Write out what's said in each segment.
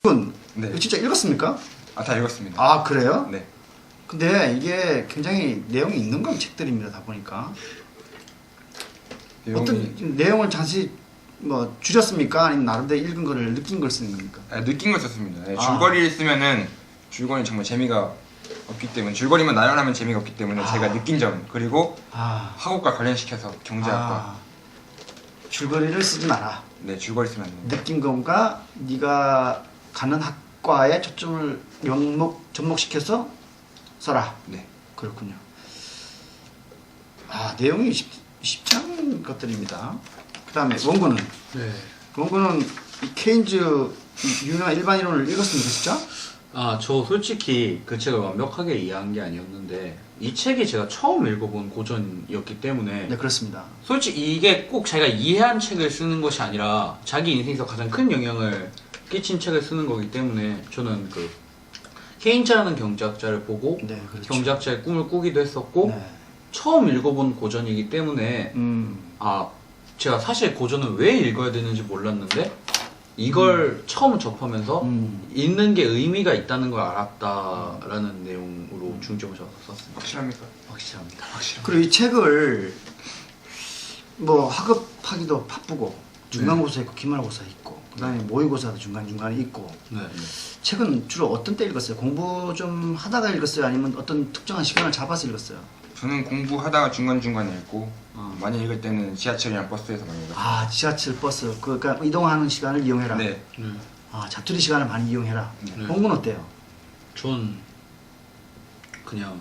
네. 이거 진짜 읽었습니까? 아, 다 읽었습니다. 아 그래요? 네. 근데 이게 굉장히 내용이 있는 건 책들입니다. 다 보니까 내용이... 어떤 내용을 자세히 뭐 줄였습니까? 아니면 나름대로 읽은 거를 느낀 걸 쓰는 겁니까? 아, 느낀 걸 썼습니다. 네, 줄거리를 쓰면은 줄거리는 정말 재미가 없기 때문에 줄거리만 나열하면 재미가 없기 때문에 제가 느낀 점 그리고 학업과 관련시켜서 경제학과 줄거리를 쓰지 마라. 네, 줄거리 쓰면 안 됩니다. 느낀 것과 네가 가는 학과에 초점을 접목시켜서 써라. 네. 그렇군요. 내용이 쉽지 않은 것들입니다. 그 다음에 원고는? 네. 원고는 이 케인즈 유명한 일반 이론을 읽었습니까 진짜? 저 솔직히 그 책을 완벽하게 이해한 게 아니었는데 이 책이 제가 처음 읽어본 고전이었기 때문에 네, 그렇습니다. 솔직히 이게 꼭 자기가 이해한 책을 쓰는 것이 아니라 자기 인생에서 가장 큰 영향을 끼친 책을 쓰는 거기 때문에 저는 그 케인즈라는 경제학자를 보고 네, 그렇죠. 경제학자의 꿈을 꾸기도 했었고 네. 처음 읽어본 고전이기 때문에 제가 사실 고전을 왜 읽어야 되는지 몰랐는데 이걸 처음 접하면서 읽는 게 의미가 있다는 걸 알았다라는 내용으로 중점을 줬었습니다. 확실합니까? 확실합니다. 그리고 이 책을 뭐 학업하기도 바쁘고 중간고사 있고 기말고사 있고 그 다음에 모의고사도 중간중간에 있고 네. 책은 주로 어떤 때 읽었어요? 공부 좀 하다가 읽었어요? 아니면 어떤 특정한 시간을 잡아서 읽었어요? 저는 공부하다가 중간중간에 읽고 많이 읽을 때는 지하철이나 버스에서 많이 읽었어요. 지하철, 버스 그러니까 이동하는 시간을 이용해라. 네. 자투리 시간을 많이 이용해라. 네. 공부는 어때요? 전 그냥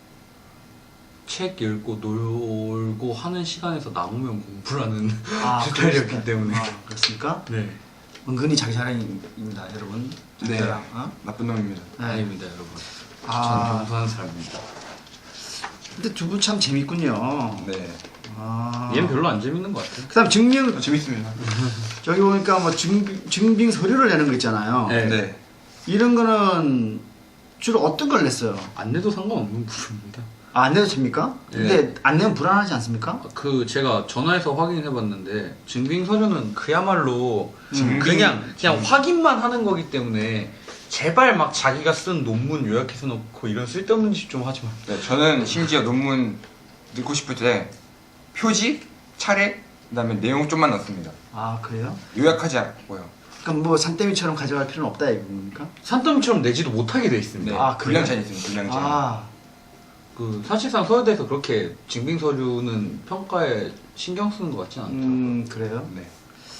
책 읽고 놀고 하는 시간에서 남으면 공부라는 스타일이었기 때문에. 그렇습니까? 네. 은근히 자기 자랑입니다, 여러분. 자기 네. 자랑. 나쁜 놈입니다. 네. 아닙니다, 여러분. 전 겸손한 사람입니다. 근데 두 분 참 재밌군요. 네. 얘는 별로 안 재밌는 것 같아요. 그다음 증명 재밌습니다. 저기 보니까 뭐 증빙 서류를 내는 거 있잖아요. 네. 네. 이런 거는 주로 어떤 걸 냈어요? 안 내도 상관없는 부분입니다. 안 내도 됩니까? 근데 안 내면 불안하지 않습니까? 제가 전화해서 확인해봤는데 증빙 서류는 그야말로 증빙- 그냥 확인만 하는 거기 때문에 제발 막 자기가 쓴 논문 요약해서 놓고 이런 쓸데없는 짓 좀 하지 마. 네, 저는 심지어 논문 넣고 싶을 때 표지, 차례, 그다음에 내용 좀만 넣습니다. 그래요? 요약하지 않고요. 그럼 뭐 산더미처럼 가져갈 필요는 없다 이겁니까? 산더미처럼 내지도 못하게 돼 있습니다. 네. 그래요? 분량찬이 있습니다. 분량찬. 사실상 서울대에서 그렇게 증빙 서류는 평가에 신경 쓰는 것 같진 않더라고요. 그래요? 네.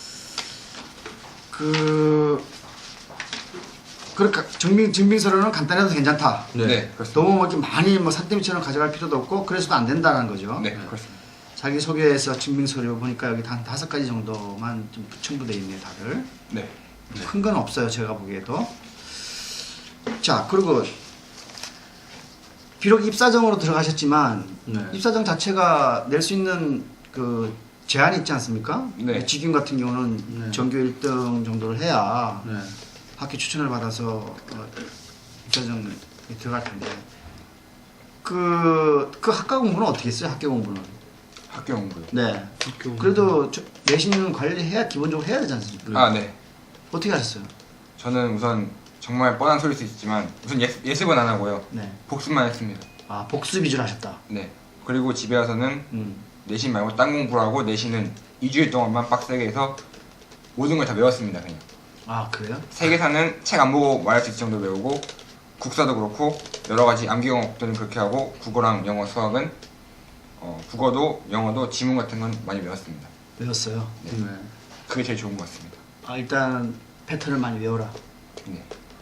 그러니까 증빙 서류는 간단해도 괜찮다. 네, 그렇습니다. 너무 이렇게 많이 뭐 산더미처럼 가져갈 필요도 없고 그래서도 안 된다는 거죠. 네, 그렇습니다. 자기 소개에서 증빙 서류 보니까 여기 한 5가지 정도만 좀 첨부돼 있네요, 다들. 네. 큰 건 없어요, 제가 보기에도. 자, 그리고 비록 입사정으로 들어가셨지만 입사정 자체가 낼 수 있는 그 제한이 있지 않습니까? 네. 직윤 같은 경우는 전교 1등 정도를 해야 학교 추천을 받아서 입사정에 들어갈 텐데 그 학과 공부는 어떻게 했어요? 학교 공부는? 학교 공부요. 네. 그래도 내신은 관리해야 기본적으로 해야 되지 않습니까? 네. 어떻게 하셨어요? 저는 우선 정말 뻔한 소리일 수 있지만 우선 예습은 안 하고요. 네. 복습만 했습니다. 복습 위주로 하셨다. 네. 그리고 집에 와서는 내신 말고 딴 공부를 하고 내신은 2주일 동안만 빡세게 해서 모든 걸 다 외웠습니다. 그냥. 그래요? 세계사는 책 안 보고 말할 수 있을 정도로 외우고 국사도 그렇고 여러 가지 암기 과목들은 그렇게 하고 국어랑 영어, 수학은 국어도 영어도 지문 같은 건 많이 외웠습니다. 외웠어요? 네. 그게 제일 좋은 것 같습니다. 일단 패턴을 많이 외워라. 네.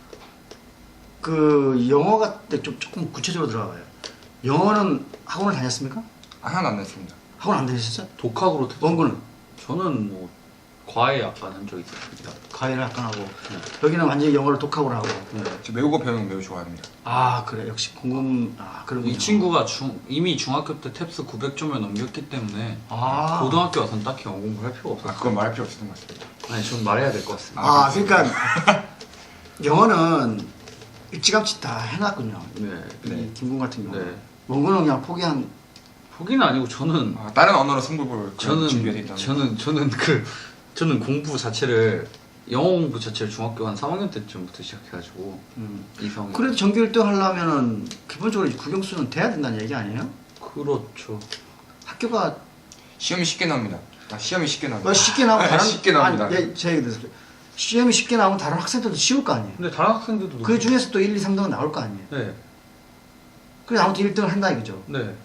그 영어가 조금 구체적으로 들어가봐요. 영어는 학원을 다녔습니까? 하나도 안 냈습니다. 학원 안 다니셨어요? 독학으로 원고는? 저는 뭐 과외 약간 한 적이 있었습니다. 과외를 약간 하고 여기는 완전히 영어를 독학으로 하고. 저 외우고 배우는 거 매우 좋아합니다. 그래 역시 궁금. 그러군요. 이 친구가 이미 중학교 때 탭스 900점을 넘겼기 때문에 고등학교 와서는 딱히 영어 공부를 할 필요가 없었어요. 그건 말할 필요 없었던 것 같습니다. 아니 전 말해야 될 것 같습니다. 그러니까 영어는 일찌감치 다 해놨군요. 네. 김군 같은 경우. 네. 원고는 그냥 포기는 아니고 저는 다른 언어로 승부 볼 준비가 돼 있다는. 저는 공부 자체를 영어 공부 자체를 중학교 한 3학년 때쯤부터 시작해가지고 이성. 그래도 정규 1등 하려면은 기본적으로 국영수는 돼야 된다는 얘기 아니에요? 그렇죠. 학교가 시험이 쉽게 나옵니다. 시험이 쉽게 나옵니다. 쉽게 나오면 다른 쉽게 나옵니다. 아니, 제 얘기 들으세요. 시험이 쉽게 나오면 다른 학생들도 쉬울 거 아니에요. 근데 다른 학생들도 그 중에서 또 1, 2, 3등은 나올 거 아니에요. 네, 그래서 아무튼 1등을 한다 이거죠. 네.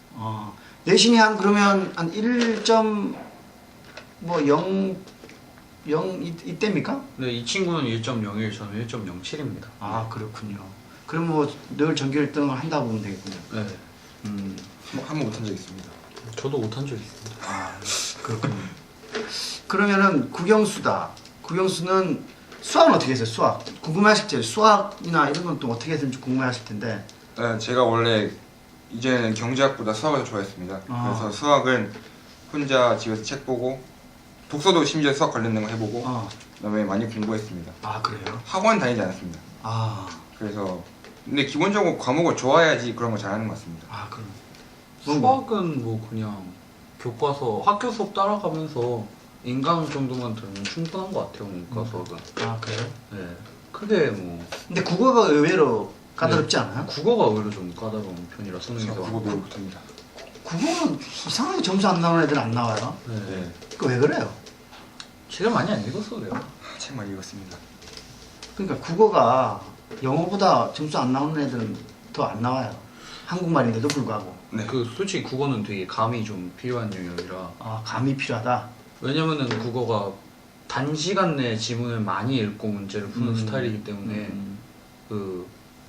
내신이 한 그러면 한 1점 뭐 0 이때입니까? 네, 이 친구는 1.01, 저는 1.07입니다. 아 그렇군요. 그럼 뭐 늘 전교 1등을 한다 보면 되겠군요. 네. 한번 못한 적 있습니다. 저도 못한 적 있습니다. 그렇군요. 그러면은 국영수다. 국영수는 수학은 어떻게 했어요? 수학 궁금해하실 텐데 수학이나 이런 건 또 어떻게 했는지 궁금해하실 텐데. 네, 제가 원래 이제는 경제학보다 수학을 더 좋아했습니다. 그래서 수학은 혼자 집에서 책 보고 독서도 심지어 수학 관련된 거 해보고 그다음에 많이 공부했습니다. 아 그래요? 학원 다니지 않았습니다. 그래서 근데 기본적으로 과목을 좋아해야지 그런 걸 잘하는 것 같습니다. 그럼 수학은 뭐 그냥 교과서 학교 수업 따라가면서 인강 정도만 들으면 충분한 것 같아요. 문과 수학은. 그래요? 네. 크게 뭐. 근데 국어가 의외로 까다롭지 않아요? 국어가 오히려 좀 까다로운 편이라 수능에서. 국어 매우 못합니다. 국어는 이상하게 점수 안 나오는 애들 안 나와요. 네. 그 왜 그래요? 책을 많이 안 읽어서 그래요. 책 많이 읽었습니다. 그러니까 국어가 영어보다 점수 안 나오는 애들은 더 안 나와요. 한국말인데도 불구하고. 네. 그 솔직히 국어는 되게 감이 좀 필요한 영역이라. 감이 필요하다. 왜냐면은 국어가 단시간 내에 지문을 많이 읽고 문제를 푸는 스타일이기 때문에 그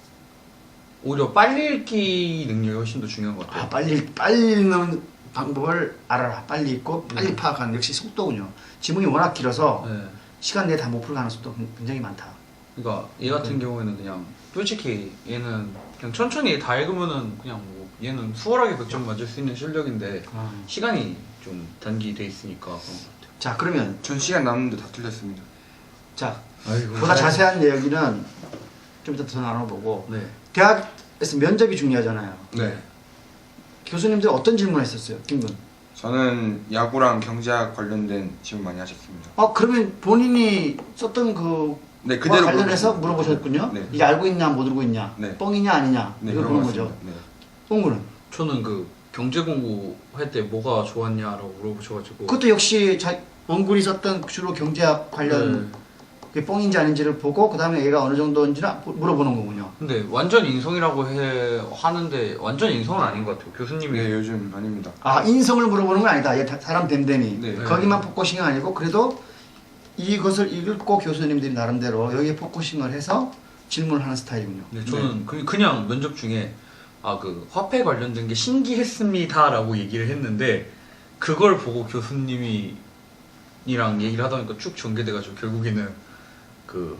오히려 빨리 읽기 능력이 훨씬 더 중요한 것 같아요. 빨리 읽는 방법을 알아라. 빨리 읽고 빨리 파악하는 역시 속도군요. 지문이 워낙 길어서 네. 시간 내에 다 못 풀 가능성도 굉장히 많다. 그러니까 얘 같은 경우에는 그냥 솔직히 얘는 그냥 천천히 다 읽으면은 그냥 뭐 얘는 수월하게 100점 맞을 수 있는 실력인데 시간이 좀 단기돼 있으니까 그런 것 같아요. 자 그러면 전 시간 남는데 다 틀렸습니다. 자 아이고. 보다 자세한 이야기는 좀 이따 더 나눠보고 네. 대학에서 면접이 중요하잖아요. 네. 교수님들 어떤 질문 했었어요? 김군. 저는 야구랑 경제학 관련된 질문 많이 하셨습니다. 그러면 본인이 썼던 네, 그와 그대로 관련해서 물어보셨습니다. 물어보셨군요. 네. 이게 알고 있냐 못 알고 있냐, 네. 뻥이냐 아니냐 네, 이걸 그런 보는 것 거죠. 같습니다. 네. 뻥구는 저는 그 경제 공부할 때 뭐가 좋았냐라고 물어보셔가지고 그것도 역시 원군이 썼던 주로 경제학 관련 그게 뻥인지 아닌지를 보고 그 다음에 얘가 어느 정도인지를 물어보는 거군요. 근데 완전 인성이라고 하는데 완전 인성은 아닌 것 같아요. 교수님이 네, 요즘 아닙니다. 인성을 물어보는 건 아니다. 얘 사람 됨됨이 네. 거기만 포커싱이 아니고 그래도 이것을 읽고 교수님들이 나름대로 여기에 포커싱을 해서 질문을 하는 스타일이군요. 네, 저는 그냥 면접 중에 그 화폐 관련된 게 신기했습니다라고 얘기를 했는데 그걸 보고 교수님이랑 얘기를 하다 보니까 쭉 전개돼가지고 결국에는 그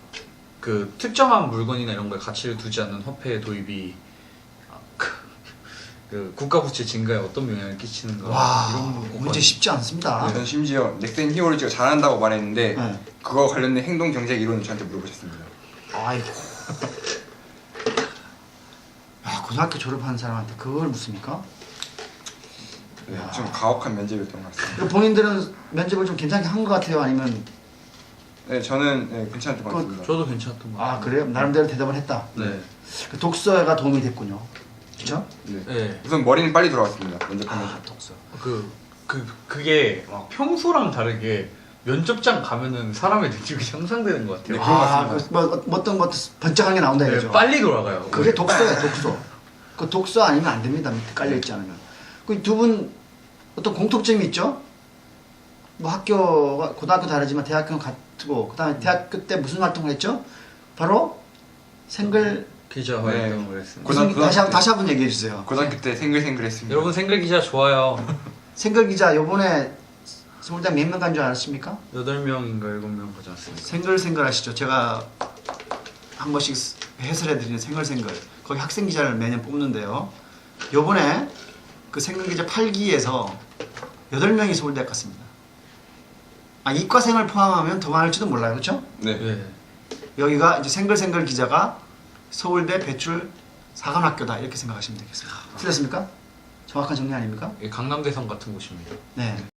특정한 물건이나 이런 거에 가치를 두지 않는 화폐의 도입이 그 국가 부채 증가에 어떤 영향을 끼치는가 이런 부분 문제 쉽지 않습니다. 전 심지어 넥센 히어로즈가 잘한다고 말했는데 네. 그거 관련된 행동 경제 이론을 저한테 물어보셨습니다. 아이고. 고등학교 졸업한 사람한테 그걸 묻습니까? 네, 좀 가혹한 면접이었던 것 같습니다. 그리고 본인들은 면접을 좀 괜찮게 한 것 같아요? 아니면 네, 저는 괜찮았던 것 같습니다. 저도 괜찮았던 것 같아요. 그래요? 나름대로 대답을 했다. 네. 그 독서가 도움이 됐군요. 그렇죠? 네. 네. 우선 머리는 빨리 돌아왔습니다. 면접하면서. 독서. 그게 막 평소랑 다르게 면접장 가면은 사람의 능력이 향상되는 것 같아요. 네, 그런 것 같습니다. 어떤 것 번쩍한 게 나온다 네, 이거죠. 빨리 돌아가요. 그게 독서예요, 독서. 그 독서 아니면 안 됩니다. 밑에 깔려 있지 않으면. 그 두 분 어떤 공통점이 있죠? 뭐 학교가 고등학교 다르지만 대학교는 같고 그다음에 대학교 때 무슨 활동을 했죠? 바로 생글 기자 활동을 했습니다. 다시 한번 얘기해 주세요. 고등학교 때 생글생글했습니다. 여러분 생글 기자 좋아요. 생글 기자 요번에 서울대 몇 명 간 줄 아십니까? 8명인가 7명 가지 않습니까? 생글 아시죠? 제가 한 번씩 해설해 드리는 생글 거기 학생 기자를 매년 뽑는데요. 요번에 그 생글 기자 8기에서 8명이 서울대 갔습니다. 이과생을 포함하면 더 많을지도 몰라요. 그렇죠? 네. 네. 여기가 이제 생글 기자가 서울대 배출 사관학교다 이렇게 생각하시면 되겠습니다. 틀렸습니까? 정확한 정리 아닙니까? 강남대성 같은 곳입니다. 네.